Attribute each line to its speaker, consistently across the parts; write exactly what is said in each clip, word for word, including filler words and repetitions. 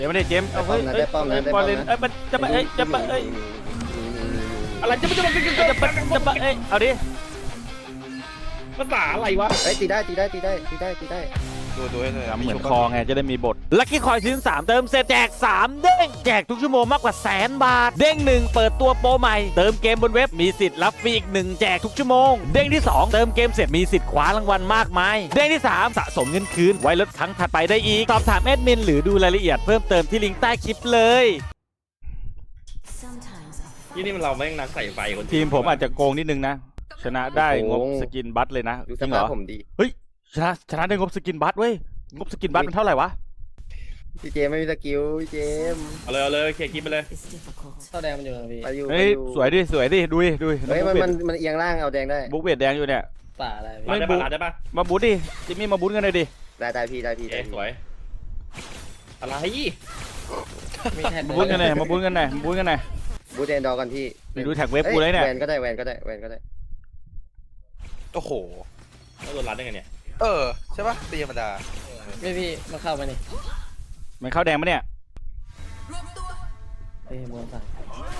Speaker 1: ดี๋ยวไม่ได้เจมเอาเฮ้ย
Speaker 2: ได้ป้อมนะได้ป้อมนะ
Speaker 1: เอ้ยมันจะมาเอ้ยจะมาเอ้ย
Speaker 3: อะไรจะมาจะมาจะมา
Speaker 1: จะมาจะมาเอ้ยเอาดิ
Speaker 3: ภาษาอะไรวะ
Speaker 2: เฮ้ยตีได้ตีได้ตีได้ตีได้ตีได้
Speaker 4: ดูดูให้หน่อย
Speaker 1: เหมือนคอไงจะได้มีบทลัคกี้คอยซีซั่นสามเติมเสร็จแจกสามเด้งแจกทุกชั่วโมงมากกว่าแสนบาทเด้งหนึ่งเปิดตัวโปรใหม่เติมเกมบนเว็บมีสิทธิ์รับฟรีอีกหนึ่งแจกทุกชั่วโมงเด้งที่สองเติมเกมเสร็จมีสิทธิ์คว้ารางวัลมากมายเด้งที่สามสะสมเงินคืนไว้ลดครั้งถัดไปได้อีกสอบถามแอดมินหรือดูรายละเอียดเพิ่มเติมที่ลิงก์ใต้คลิปเลย
Speaker 3: ยี่นี่มันเราแม่งนักใส่ไฟคน
Speaker 1: ทีมผมอาจจะโกงนิดนึงนะชนะได้งบสกินบัตเลยนะ
Speaker 2: ดู
Speaker 1: จ
Speaker 2: ส
Speaker 1: ริงเห
Speaker 2: ภาร พ
Speaker 1: อ
Speaker 2: ผมดี
Speaker 1: เฮ้ยชนะชนะได้งบสกินบัตเว้ยงบสกินบัตมันเท่าไหร่วะ
Speaker 2: พี่เจมไม่มีสกิลพี่เจม
Speaker 3: เอาเลยเอาเลยเคลียร์คลิปไปเลย
Speaker 5: เข้าแดงมันอยู่นะพี่
Speaker 2: ไปอยู่
Speaker 1: เฮ้ย
Speaker 2: ไปอยู่
Speaker 1: สวยดิสวยดิดูดิดูดิ
Speaker 2: เฮ้ยมัน
Speaker 1: บุ๊ก
Speaker 2: มัน
Speaker 1: เวท
Speaker 2: มันเอียงล่างเอาแดงได้
Speaker 1: บุ๊กเวทแดงอยู่เนี่ย
Speaker 5: ป่าอะไรพี่
Speaker 1: ไม่
Speaker 3: ได้
Speaker 1: บุ๊
Speaker 3: ปะ
Speaker 1: ก
Speaker 3: ได้ปะ
Speaker 1: มาบูทดิจิมมี่มาบูทกันเลยดิ
Speaker 2: ได้ได้พี่ได้พี่
Speaker 3: เอ๊
Speaker 2: ได้พี่
Speaker 3: สวยอะไร
Speaker 5: มีแท็ก
Speaker 1: มาบูทกันหน่อยมาบูทกันหน่อยมาบูทกันหน่อย
Speaker 2: บูทแดนดอกันพี่
Speaker 1: ไปดูแท็กเว็บกูเลยเนี่ย
Speaker 2: แวนก็ได้แวนก็ได้แวนก็ได้
Speaker 4: โอ้โห
Speaker 3: แล้วโดนรัดได้ไงเนี่ย
Speaker 4: เออใช่ปะตีธรรมดา
Speaker 5: ไม่พี่มาเข้ามานี่
Speaker 1: มันเข้าแดงปะเนี่ย
Speaker 5: เฮ้ยมวนสั่ง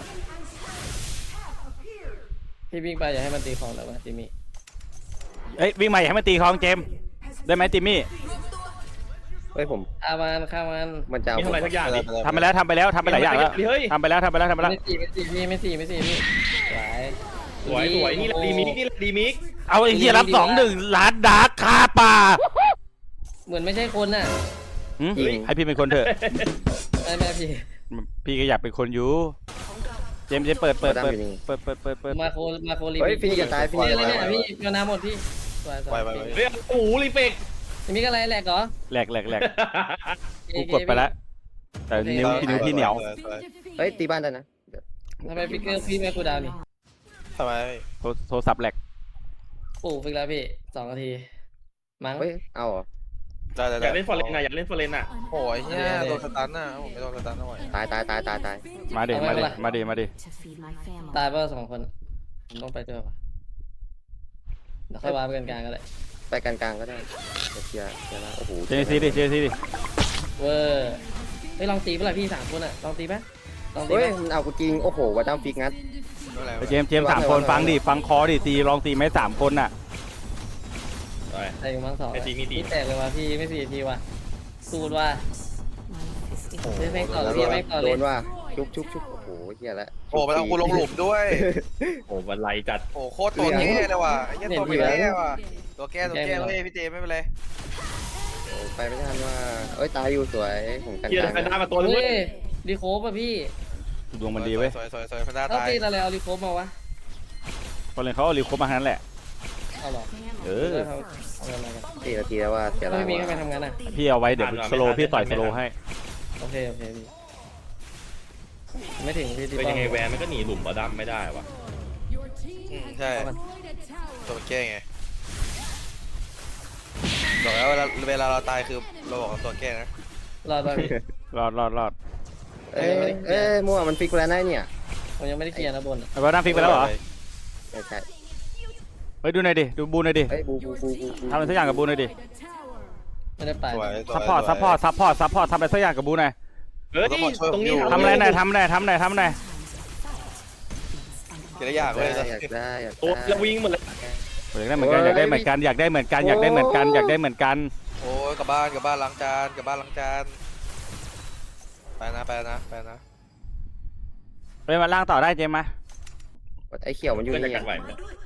Speaker 5: พี่วิ่งไปอย่าให้มันตีของแล้ววะจิมมี่
Speaker 1: เอ้ยวิ่งใหม่ให้มันตีคลองเจมได้ไหมจิมมี่
Speaker 2: เฮ้ยผม
Speaker 5: อามันข้ามัน
Speaker 2: มันจะเอา
Speaker 3: มีทำอะไรสักอย่างดิ
Speaker 1: ทำไปแล้วทำไปแล้วทำไปหลายอย่างแล้ว
Speaker 3: เฮ้ย
Speaker 1: ทำไปแล้วทำไปแล้วทำไปแล้ว
Speaker 5: ไม่สี่ไม่สี่พี่ไม่สี่ไม่สี่พี่สวย
Speaker 3: สวยสวยนี่แหละดีมิกนี่แหละดีมิก
Speaker 1: เอาไอ้เหี้ยรับสองหนึ่งล้านดาร์คคาป่า
Speaker 5: เหมือนไม่ใช่คนน่ะ
Speaker 1: หืมให้พี่เป็นคนเถอะ
Speaker 5: ไม่แม่พี่
Speaker 1: พี่ก็อยากเป็นคนอยู่เจมส์เจมส์เปิดเปิดเปิดเปิดเปิดเปิดเปิด
Speaker 5: มาโคมาโคลี
Speaker 2: เฮ้ยฟินิกจะตายฟินิ
Speaker 5: นี่
Speaker 2: ก
Speaker 5: อะไร
Speaker 2: จะตาย
Speaker 5: เนี่ยพี่เจ้าน้ำหมดพี่สวยสวย
Speaker 3: เฮ้ยโอ้โหรีเฟก
Speaker 5: จิมมี่ก็อะไรแหลกเหรอ
Speaker 1: แหลกแหลกแหลกกูกดไปแล้วแต่นิ้วพี่นิ้วพี่เหนียว
Speaker 2: เฮ้ยตีบ้านได้นะ
Speaker 5: ทำไมฟิกเกอร์พี่แม่กูดาวนี่
Speaker 4: ทำไม
Speaker 1: โทรโทรศัพท์แหลก
Speaker 5: ปู่ฟิกแล้วพี่สองนาทีมั้ง
Speaker 2: เฮ้ยเอาเหรอ
Speaker 4: ได้ได้
Speaker 3: อยากเล่นฟอร์เรนอ่ะอยากเล่นฟอร์เรนอ่ะ
Speaker 4: โอ้ยเฮียโดนสตันน่ะผมไม่โดนสตันหน่อย
Speaker 2: ตายตายตายตายตาย
Speaker 1: มาดิมาดิมาดิมาดิ
Speaker 5: ตายเปล่าสองคนผมต้องไปเจอป่ะเดี๋ยวค่อยวางไปกันกลางก็ได้
Speaker 2: ไปกลางๆก็ได้เดี๋ยวเคลียร์เคลียร์แล้วโอ้โห
Speaker 1: เจนซีดิเจนซีดิ
Speaker 5: เวอร์เฮ้ยลองตีเปล่าพี่สามคนอ่ะลองตีไหมลองตี
Speaker 2: เฮ้
Speaker 5: ไห
Speaker 2: ย
Speaker 5: ม
Speaker 2: มันเอากูจริงโอ้โหว่าจ้ำฟิกงัด
Speaker 4: ไม่เป็นไร
Speaker 1: เจมส์เจมส์สามคนฟังดิฟังคอดิตีลองตีไหมสามคนน่ะ
Speaker 3: ไป
Speaker 5: แตกมั้งสอง
Speaker 3: ไอ้ตีนี่ตี
Speaker 5: พี่แตกเลยว่ะพี่ไม่สี่ทีว่ะสูดว่ะเฮ้ยแม่งต่อเลยพี่แม่งต่อ
Speaker 2: โด
Speaker 5: เลย
Speaker 2: นว่าชุบชุบชุบโอ้โหเฮียละ
Speaker 4: โอ้มันเอากูลงหลุมด้วย
Speaker 3: โอ้วันไรจัด
Speaker 4: โอ้โคตรตัวแก้เลยว่ะไอ้เหี้ยตัวแก้ว่ะตัวแก้ตัวแก้เว้ยพี่เจไม่เป็นไร
Speaker 2: โอ้ไปไม่ทันว่าเอ้ยตายอยู่สวยผมกัน
Speaker 3: เกียร์แฟนด้ามาตัวนึง
Speaker 5: เฮ้
Speaker 3: เว้
Speaker 5: ย
Speaker 3: ย
Speaker 5: รีโคฟอ่ะพี่
Speaker 1: ดวงมันดีเว้ย
Speaker 4: สวยสวยสวยพันด้า
Speaker 5: เขา
Speaker 4: ตาย
Speaker 5: ตีอะไรเอารีโคฟมาวะ
Speaker 1: ตอนเลยเขาเอาลิวครบมาทั้งนั้นแหละ
Speaker 5: เอาหรอ
Speaker 1: เออ
Speaker 5: เอาอะไรกัน
Speaker 2: สี่นาทีแล้วว่าเสีย
Speaker 5: แล้ว
Speaker 2: แล้ว
Speaker 5: ไม่มีใครไป
Speaker 2: ว่า
Speaker 5: ทำงานอ่ะ
Speaker 1: พี่เอาไว้เดี๋ยวสโลพี่ต่อยสโลให้
Speaker 5: โอเคโอเคพี่ไม่ถึงพี่ตี
Speaker 3: เป็น
Speaker 5: ป้อ
Speaker 3: ยัง
Speaker 5: ม
Speaker 3: ไงแวนมันก็หนีหลุมบอดัมไม่ได้วะ
Speaker 4: อืมใช่ตัวมันแก้ไงบอกแล้วเวลาเวลาเราตายคือเราบอกตัวแก้นะ
Speaker 5: รอดป่ะพี่
Speaker 1: รอดรอดรอด
Speaker 2: เอ้ยเอ้ยมั่วมันฟิกแล้วนะเนี่ย
Speaker 5: ผมยังไม่ได้เคลียร์นะบน
Speaker 1: ไอ้บอลนั่งฟิกไปแล้วเหรอ
Speaker 2: ไม่ใช่
Speaker 1: เฮ้ยดูหน่อยดิดูบูหน่อยดิ
Speaker 2: เอ้ยบูบูบูบูบู
Speaker 1: ทำอะไรสักอย่างกับบูหน่อยดิ
Speaker 5: ไม่ได้ไป
Speaker 4: สวย
Speaker 1: ซัพพอร์ตซัพพอร์ตซัพพอร์ตซัพพอร์ตทำอะไรสักอย่างกับบูหน่อย
Speaker 3: เฮ้ยตรงนี้
Speaker 1: ทำอะไรหน่อยทำหน่อยทำหน่อยทำหน่อย
Speaker 4: กินได้ยากเลย
Speaker 2: อยากได้อยาก
Speaker 3: โอ้
Speaker 2: ได้
Speaker 3: แล้ววิ่งหมดเลย
Speaker 1: อยากได้เหมือนกันอยากได้เหมือนกันอยากได้เหมือนกันอยากได้เหมือนกันอยากได้เหมือนกัน
Speaker 4: โอ้ยกลับบ้านกลับบ้านล้างจานกลับบ้านล้างจานไปนะไปนะไปนะ
Speaker 1: ไปมาล่างต่อได้เจมมา
Speaker 2: ไอ้เขียวมันอยู่
Speaker 3: ก็จะ
Speaker 2: นี่
Speaker 3: กันไหวไหม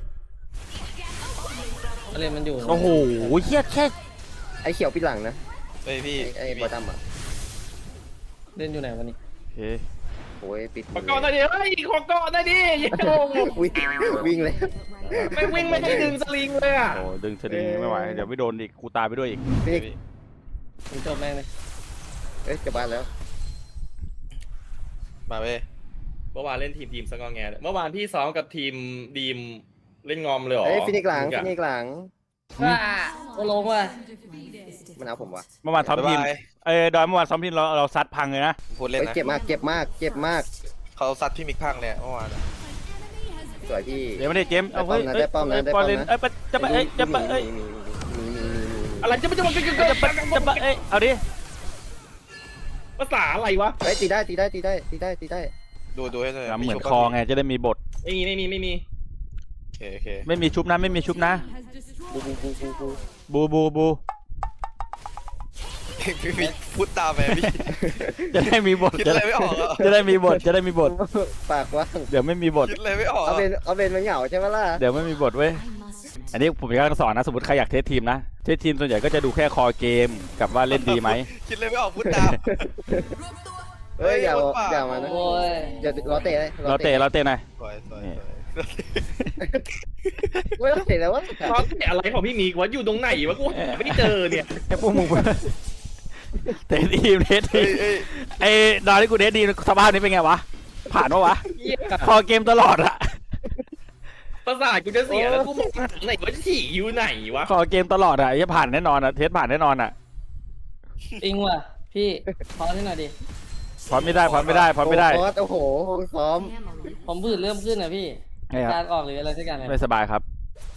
Speaker 5: เรียนมันอยู่
Speaker 1: โอ้โหเฮียแค่
Speaker 2: ไอ้เขียวปิดหลังนะ
Speaker 4: เฮ้ยพี่
Speaker 2: ไอ้บอดัมอ่ะ
Speaker 5: เล่นอยู่ไหนวันนี้
Speaker 1: เฮ้ย
Speaker 2: โอ้ยปิด
Speaker 3: ขอก่อนได้ดิเฮ้ยขอก่อนได้ดิยิ่งโง่
Speaker 2: วิ่งวิ่งเลย
Speaker 3: ไม่วิ่งไม่ให้ดึงสลิงเลยอ่ะ
Speaker 1: โอ้ดึงสลิงไม่ไหวเดี๋ยวไม่โดนอีกกูตายไปด้วยอีก
Speaker 2: ฟิก
Speaker 5: ผมจบแม่งเลย
Speaker 2: เอ้ยจะบ้านแล้ว
Speaker 4: มาเว้ย
Speaker 3: เมื่อวานเล่นทีมทีมสกอร์แงเมื่อวานพี่ซ้อมกับทีมดีมเล่นงอมเลยเหรอ
Speaker 2: เอ้ยฟินิกหลังฟินิกหลัง
Speaker 5: ว้าโอลงว่ะ
Speaker 2: มันเอาผมวะ
Speaker 1: เมื่อวานซ้อมทีมเอ้ยดอยเมื่อวานซ้อมทีมเราเราซัดพังเลยนะ
Speaker 4: พูดเล่น
Speaker 2: เอ้ย
Speaker 4: นะ
Speaker 2: เจ็บมากเจ็บมากเจ็บมาก
Speaker 4: เขาซัดพี่มิกพังเลยเมื่อวาน
Speaker 2: สวยพี่
Speaker 1: เดี๋ยวไม่ได้เจมเอาเฮ้ย
Speaker 2: ได้ป้อมนะได้ป้อมนะ
Speaker 1: เอ้ยจะมาเอ้ยจะมาเอ้ย
Speaker 2: มีมีมีมีมีมี
Speaker 3: อะไรจะมาจะมาจะมา
Speaker 1: จะมาจะมาเอ้ยเอาดิ
Speaker 3: ภาษาอะไรวะ
Speaker 2: เฮ้ยตีได้ตีได้ตีได้ตีได้ตีได้
Speaker 4: ดูดูให้หน่อย
Speaker 1: ทำเหมือน
Speaker 4: ชุบ
Speaker 1: คอไงจะได้มีบท
Speaker 3: ไม่มีไม่มีไม่มี
Speaker 4: โอเคโอเค
Speaker 1: ไม่มีชุบนะไม่มีชุบนะ
Speaker 2: บูบูบูบูบู
Speaker 1: บูบูบู
Speaker 4: พี่พี่พูดตามไปพี่
Speaker 1: จะได้มีบท
Speaker 4: คิด
Speaker 1: จะ
Speaker 4: อะไร
Speaker 1: ได้
Speaker 4: ไม่ออกอ่ะ
Speaker 1: จะได้มีบทจะได้มีบท
Speaker 2: ปากว่าง
Speaker 1: เดี๋ยวไม่มีบท
Speaker 4: คิดอะไรไม่ออก
Speaker 2: เอา
Speaker 4: อะ
Speaker 2: เป็นเอาเป็นมันเหงาใช่ไหมล่ะ
Speaker 1: เดี๋ยวไม่มีบทเว้ย อันนี้ผมจะสอนนะสมมติใครอยากเทสทีมนะ เทสทีมส่วนใหญ่ก็จะดูแค่คอเกมกับว่าเล่นดีไหม
Speaker 4: คิดอะไรไม่ออกพูดตาม
Speaker 2: เฮ้ยอย่า
Speaker 4: เฮ้ยมันปาก
Speaker 2: อย่ามานะ
Speaker 5: โอ้ย
Speaker 2: อย่าล้อเตะเลย
Speaker 1: เราเตะเราเตะหน่อย
Speaker 4: สวยสวย
Speaker 1: นี่
Speaker 4: สวย
Speaker 2: ไม่ล้อเตะแล้ววะ
Speaker 3: ตอนแต่อะไรของพี่มีวะอยู่ตรงไหนวะกูหาไม่ได้เจอเนี่ย
Speaker 1: ไอ้พวกมึงเทสทีมเทสที
Speaker 4: เฮ้ย
Speaker 1: ม
Speaker 4: เฮ้ย
Speaker 1: ไอ้ดอนที่กูเทสดีสภาพนี้เป็นไงวะ ผ่านปะวะ
Speaker 3: เหี้ย
Speaker 1: คอเกมตลอดอะ
Speaker 3: ประสาทกูจะเสียแล้วกูมองหาไหนว่าฉี่อยู่ไหนวะ
Speaker 1: คอเกมตลอดอะจะผ่านแน่นอนอะเทสผ่านแน่นอนอะ
Speaker 5: ปิงว่ะพี่พอที่หน่อยดิ
Speaker 1: พร้อมไม่ได้พร้อมไม่ได้พร้อมไม่ได้
Speaker 2: โโหโอ้โหซ้อม
Speaker 5: ผมพื้นเริ่มขึ้นนะพี่
Speaker 1: ใช่ครับ
Speaker 5: การออกหรืออะไรสักอย่างเนี่ย
Speaker 1: ไม่สบายครับ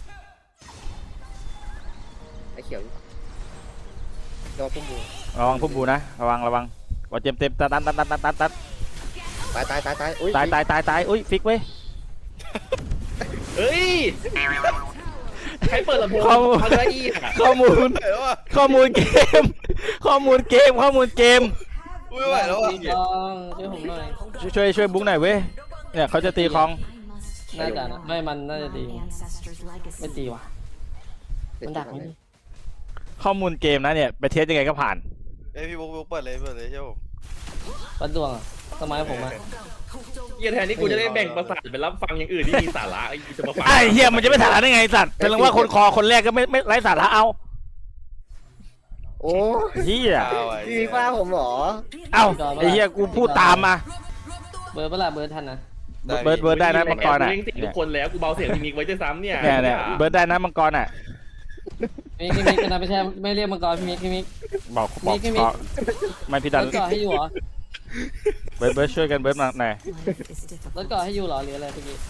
Speaker 2: ไอ้เขียวรอพุ่มบู
Speaker 1: ระวังพุ่มบูนะระวังระวังว่าเต็มเต็มตัดตัดตัดตัดตัดตัด
Speaker 2: ตายตายตายตายอุ้ย
Speaker 1: ตายตายตายตายอุ้ยฟิกเว้ย
Speaker 3: เฮ้ยใครเปิดลำโพง
Speaker 1: เข้า
Speaker 3: เอาเลยอีอ่ะ
Speaker 1: ข้อมูล
Speaker 4: ไม่ไหวแล้วอ่ะ
Speaker 1: ข้อมูลเกม ข้อมูลเกมข้อมูลเกม
Speaker 4: ไม่ไหวแล้วอ่ะ
Speaker 5: พี่ลองช่วยผมหน่อย
Speaker 1: ช่วยช่วยบุ๊กหน่อยเว้ยเนี่ยเขาจะตีคลอง
Speaker 5: น่าจะนะไม่มันน่าจะดีไม่ตีว่ะมันดักไหมนี่
Speaker 1: ข้อมูลเกมนะเนี่ยไปเทสยังไงก็ผ่าน
Speaker 4: เอ้ยพี่บุ๊กบุ๊กเปิดเลยเปิดเลยเชื่อผม
Speaker 5: วัดดวงอ่ะสมัยผมอ่ะ
Speaker 3: เหี้ยแทนที่กูจะได้แบ่งประสาทไปรับฟังอย่างอื่นที่มีสาระไอ้กูจะมาฟัง
Speaker 1: ไอ้เหี้ยมันจะไม่สาระได้ไงสัตว์แสดงว่าคนคอคนแรกก็ไม่ไม่ไร้สาระเอา
Speaker 2: โอ้
Speaker 1: เหี้ย
Speaker 4: เอาไอ้
Speaker 2: พี่มีป้าผมเหรอ
Speaker 1: เอ้าไอ้เหี้ยกูพูดตามมา
Speaker 5: เบอร์เปล่าเบอร์ทันนะ
Speaker 1: เบิร์ดเบิร์ดได้นะมังกรอ่ะ
Speaker 3: เล่นติดทุกคนแล้วกูเบาเสียงพี่มิกไว้ด้วยซ้ำเนี่ย
Speaker 1: เนี่ยเนี่ยเบิร์ดได้นะมังกรอ่ะ
Speaker 5: มิกพี่มิกนะไม่ใช่ไม่เรียกมังกรพี่มิกพี่มิก
Speaker 1: บอกบอก
Speaker 5: มีแค่มี
Speaker 1: ขอไม่พี่
Speaker 5: ร
Speaker 1: ดัน
Speaker 5: ถก่อให้อยู่เหรอ
Speaker 1: เบิร์ดเบิร์ดช่วยกันเบิร์ดมาหน่อย
Speaker 5: รถก่อให้อยู่เหรอหรืออะไรเมื่อกี้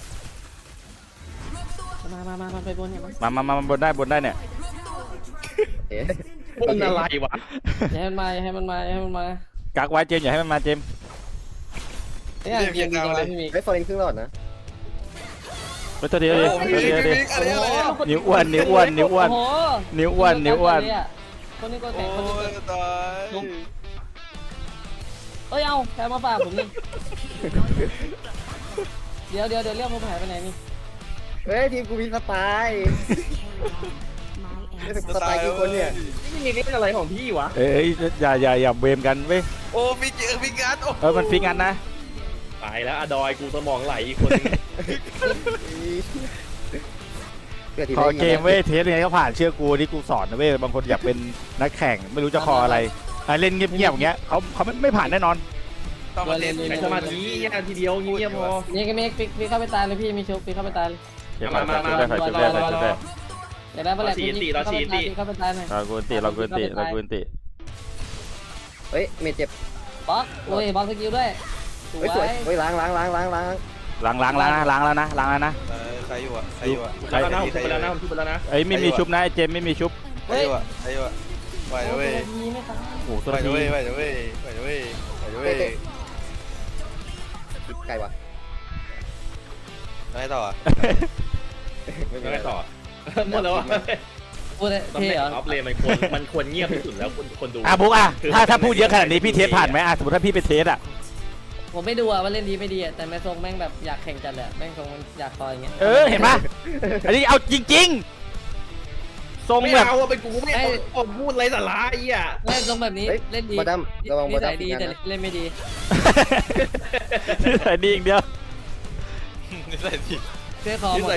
Speaker 5: มามามามาไปบนเนี่ยมา
Speaker 1: มามามาบนได้บนได้เนี่ย
Speaker 2: เอ๊ะ
Speaker 3: พวกอะไรวะ
Speaker 5: อย่าให้มันมาอย่าให้มันมาอย่าให้มันมา
Speaker 1: กักไว้เจมส์อย่าให้มันมาเจมส์
Speaker 5: ไอ้ยอ่านเกมจริงจังนะพี่มิก
Speaker 2: ไอ้ฟอร์เรนครึ่งหลอดนะ
Speaker 1: เฮ้ยตัวเดียวดิ
Speaker 4: โอ้โห
Speaker 1: ตัว
Speaker 4: พี่
Speaker 1: เดียวดิ
Speaker 4: บิ๊กอะไรอะไรอ่ะ
Speaker 1: นิ้วอ้วนนิ้วอ้วนนิ้วอ้วน
Speaker 5: โอ้โห
Speaker 1: นิ้วอ้วนนิ้วอ้วน
Speaker 5: คนนี้ก็
Speaker 4: โอ้
Speaker 5: แข่งคนนี้ก็
Speaker 4: ยตาย
Speaker 5: เอ้ยเอาใครมาฝากผมนี่เดี๋ยวเดี๋ยวเดี๋ยวเรียกผมหายไปไหนนี่
Speaker 2: เฮ้ยทีมกูมีสไตล์สไตล์กี่คนเนี่ย
Speaker 3: พี่มิกเล่นอะไรของพี่วะ
Speaker 1: เอ้ยอย่าอย่าอย่าเวมกันเว้ย
Speaker 4: โอ้มีเจอมีการโอ้
Speaker 1: เออมันฟิกกันนะ
Speaker 3: ตายแล้วอะดอยกูสมองไหลอีกคนนึง
Speaker 2: กิดที
Speaker 1: คอ
Speaker 2: ได้
Speaker 1: เกมเว้ยเทสยังไงก็ผ่านเชื่อกูที่กูสอนนะเว้ยบางคนอยากเป็นนักแข่งไม่รู้จะคออะไรอ่ะเล่นเงียบๆอย่างเงี้ยเขาเขาไม่ไม่ผ่านแน่นอน
Speaker 4: ต้องมาเล่น
Speaker 3: ใช้สมาธิแค่ทีเดียวเงียบๆพอ
Speaker 5: นี่ก็มีฟิกฟิกเข้าไปตายเลยพี่มีชุบฟิกเข้าไปตายเลย
Speaker 1: เดี๋ยว
Speaker 3: มามามา
Speaker 1: ไปจุดได้ไปจุดได้ไปจุดได้
Speaker 5: อยากได้ปะแหละ
Speaker 3: เราฉีดติเราฉีดติ
Speaker 5: เข้าไปตายหน่อย
Speaker 1: เรากูนติเรากูนติเรากูนติ
Speaker 2: เฮ้ยเมจเจ็บบ
Speaker 5: ล็อกโอ้ยบล็อกสกิลด้วยสว
Speaker 2: เฮ้ยสวย
Speaker 5: ย
Speaker 2: เฮ้ยล้างล้างล้างล้างล้าง
Speaker 1: ล้างล้างล้างนะล้างแล้วนะล้างแล้วนะ
Speaker 4: เออใครอยู่อ่ะใครอยู่อ่ะ
Speaker 3: ชุบแล้วนะผมชุบไปแล้วนะผมชุบไปแล้วนะ
Speaker 1: เอ้ยไม่มีชุบนะไอ้เจมไม่มีชุบ
Speaker 4: ใครอยู่อ่ะใครอยู่อ่ะไหวนะเว้ย
Speaker 5: มีไหมครับ
Speaker 1: โอ้โหตัว
Speaker 4: ไหว
Speaker 1: ที
Speaker 4: นะเว้ยไหวนะเว้ยไหวนะเว้ยไหวนะเว้ย
Speaker 2: ไกลว่ะ
Speaker 4: ไงต่ออ่ะ
Speaker 2: ไม่มี
Speaker 3: แล้ว
Speaker 2: อะไร
Speaker 3: ไงต่อหมดแล้วอะ
Speaker 5: พูดเลย
Speaker 3: ตำ
Speaker 5: เท่
Speaker 3: แหน่ง
Speaker 5: เหรอ
Speaker 3: ออฟเลนมันควรมันควรเงียบที่สุดแล้วคนคนดู
Speaker 1: อ่ะบุ๊กอ่ะถ้าถ้าพูดเยอะขนาดนี้พี่เทสผ่านไหมอ่ะสมมติถ้าพี่ไปเทสอ่ะ
Speaker 5: ผมไม่ดูอะว่าเล่นดีไม่ดีอะแต่แม่ทรงแม่งแบบอยากแข่งจัดเลยอะแม่งทรงมันอยากคอยอย่างเงี้ย
Speaker 1: เออเห็นปะอันนี้เอาจริงๆทรง
Speaker 3: ไม่
Speaker 1: แบบ
Speaker 3: เอาอะเป็นกูไม่เอาผมพูดไรสาระไอ้อะ
Speaker 5: แม่งทรงแบบนี้
Speaker 2: เฮ้ย
Speaker 5: เล่นดี
Speaker 2: บอดัมระวังบ
Speaker 5: นิ
Speaker 2: อดั
Speaker 5: สั
Speaker 2: ม
Speaker 5: ยดี
Speaker 2: งาน
Speaker 5: แต่
Speaker 2: นะ
Speaker 5: เล่นไม่ดี
Speaker 1: นิสัยดีอย่างเดียว
Speaker 4: นิสัยดี
Speaker 5: ช่วยคอหมด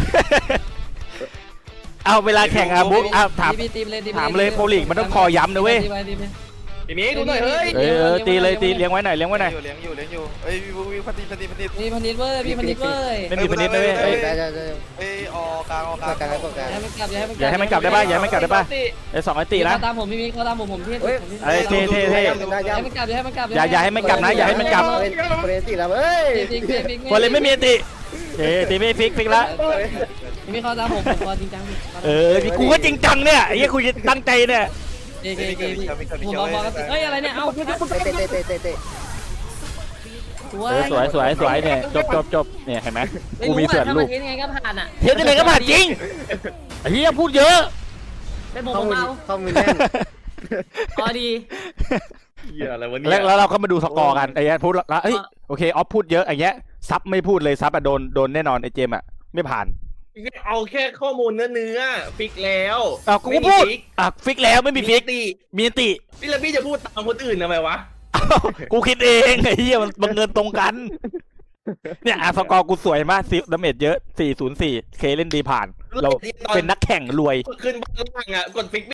Speaker 1: เอาเวลาแข่งอ่ะบุ๊กอ่ะถาม
Speaker 5: ตีตีเลยตี
Speaker 1: ถามเลยโปรลีกมันต้องคอย้ำนะเว้ย
Speaker 5: ตีไปตีไป
Speaker 3: พี่มิกดูหน่อยเฮ้ย
Speaker 1: เออเออตีเลยตีเลี้ยงไว้หน่อยเลี้ยงไว้หน่อย
Speaker 4: เลี้ยงอยู่เลี้ยงอยู่เอ้ยพี่บุ๊กพี่พันธีพันธีพันธี
Speaker 5: มีพันนิดเว้ยมีพันนิดเว้ย
Speaker 1: ไม่มีพนิดเลยเอ้ย
Speaker 2: ได้ได้ได้
Speaker 4: เอ้ยออกลางออก
Speaker 2: ปากกลาง
Speaker 4: ลาง
Speaker 2: ปากกลาง
Speaker 5: อย่าให้มันกลับอย่าให้มัน
Speaker 1: อย่าให้มันกลับได้ป่ะอย่าให้มันกลับได้ป่ะไอ้สองไอ้ตีนะ
Speaker 5: เขาตามผมพี่มิกเขาตามผมผมที่
Speaker 2: เฮ้ย
Speaker 5: ผมที่
Speaker 1: ไอ้เท่เท่เท่
Speaker 2: ได้
Speaker 5: อย่า
Speaker 2: ยั
Speaker 5: ให้
Speaker 2: ง
Speaker 5: มันกลับอย่าให้มันกลับ
Speaker 1: อย่าอย่าให้มันกลับนะอย่าให้มันกลับ
Speaker 2: ฟอร์เรนติแล้วเฮ้ย
Speaker 5: ตีตีตี
Speaker 1: คนเลยไม่มีติเอ้ตีไม่ฟิกฟิกละ
Speaker 5: พี่มิกเขาตามผมผมพอจริงจัง
Speaker 1: เออพี่กูก็จริงจังเนี่ยไอ้เหี้ยกูจะตั้งใจเนี่ย
Speaker 5: เจ๊เจ๊
Speaker 4: ไม่
Speaker 5: เจ๊
Speaker 4: มี
Speaker 5: พี่
Speaker 4: เกิดมีเกิดมี
Speaker 5: ผม
Speaker 4: เกิด
Speaker 5: บอกบอกเอ้ยอะไรเนี่ยเอ้า
Speaker 2: เตะเตะเตะเตะเตะ
Speaker 5: สว
Speaker 1: เออย สวยสวยสวยเนี่ยจบจบจบเนี่ยเห็นไหม
Speaker 5: ไม่
Speaker 1: กู
Speaker 5: รู้
Speaker 1: มี
Speaker 5: อะ
Speaker 1: เสือ
Speaker 5: ถ้า
Speaker 1: ลู
Speaker 5: มัน
Speaker 1: ก
Speaker 5: เทสยังไงก็ผ่านอ่ะ
Speaker 1: เทสยังไงก็ผ่านจริงไอ้เหี้ยพูดเยอะ
Speaker 5: เป็นผม
Speaker 2: ข้อ
Speaker 5: ผม
Speaker 2: มูล
Speaker 5: เอา
Speaker 2: ข้อมูลแน่น
Speaker 5: อ๋อดี
Speaker 3: เหี้ยอะไรวะเนี่
Speaker 1: แล้ว
Speaker 3: ย
Speaker 1: แล้วเราก็มาดูสกอร์กันไอ้เงี้ยพูดแล้วเอ้ยโอเคออฟพูดเยอะไอ้เงี้ยซับไม่พูดเลยซับอะโดนโดนแน่นอนไอ้เจมอะไม่ผ่าน
Speaker 3: เอาแค่ข้อมูลเนื้อเนื้อฟิกแล้ว
Speaker 1: อ่ะกู
Speaker 3: ไม่มี
Speaker 1: พูด
Speaker 3: ฟิก
Speaker 1: อ่ะฟิกแล้วไม่มีฟิก
Speaker 3: ตี
Speaker 1: มีอันติ
Speaker 3: พี่แล้วพี่จะพูดตามคนอื่นทำไมวะ
Speaker 1: อ้าวกูคิดเองไอ้เหี้ยมันบังเอิญตรงกัน เนี่ยอ่ะสกอร์กูสวยมากซิดาเมจเยอะสี่ศูนย์สี่เคเล่นดีผ่าน เราเป็นนักแข่งรวย
Speaker 3: ขึ้นบ้านล่างอ่ะกดฟิก